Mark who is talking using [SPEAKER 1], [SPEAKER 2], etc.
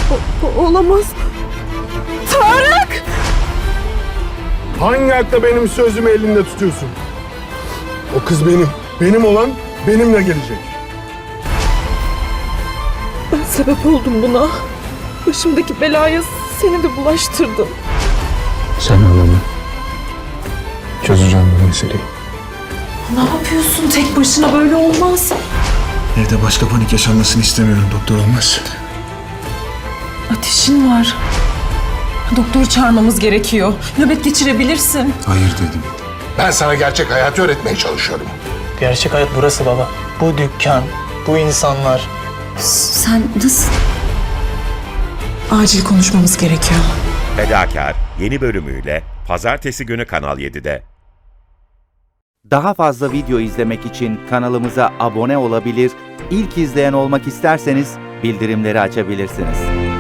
[SPEAKER 1] Olamaz. Tarık!
[SPEAKER 2] Hangi hakla benim sözümü elinde tutuyorsun? O kız benim. Benim olan benimle gelecek.
[SPEAKER 1] Ben sebep oldum buna. Başımdaki belaya seni de bulaştırdım.
[SPEAKER 2] Sen ağlama. Çözeceğim bu meseleyi.
[SPEAKER 1] Ne yapıyorsun? Tek başına böyle olmaz.
[SPEAKER 2] Evde başka panik yaşanmasını istemiyorum doktor olmaz.
[SPEAKER 1] Ateşin var. Doktoru çağırmamız gerekiyor. Nöbet geçirebilirsin.
[SPEAKER 2] Hayır dedim.
[SPEAKER 3] Ben sana gerçek hayatı öğretmeye çalışıyorum.
[SPEAKER 4] Gerçek hayat burası baba. Bu dükkan, bu insanlar.
[SPEAKER 1] Sen nasıl? Acil konuşmamız gerekiyor.
[SPEAKER 5] Fedakar yeni bölümüyle Pazartesi günü Kanal 7'de.
[SPEAKER 6] Daha fazla video izlemek için kanalımıza abone olabilir, ilk izleyen olmak isterseniz bildirimleri açabilirsiniz.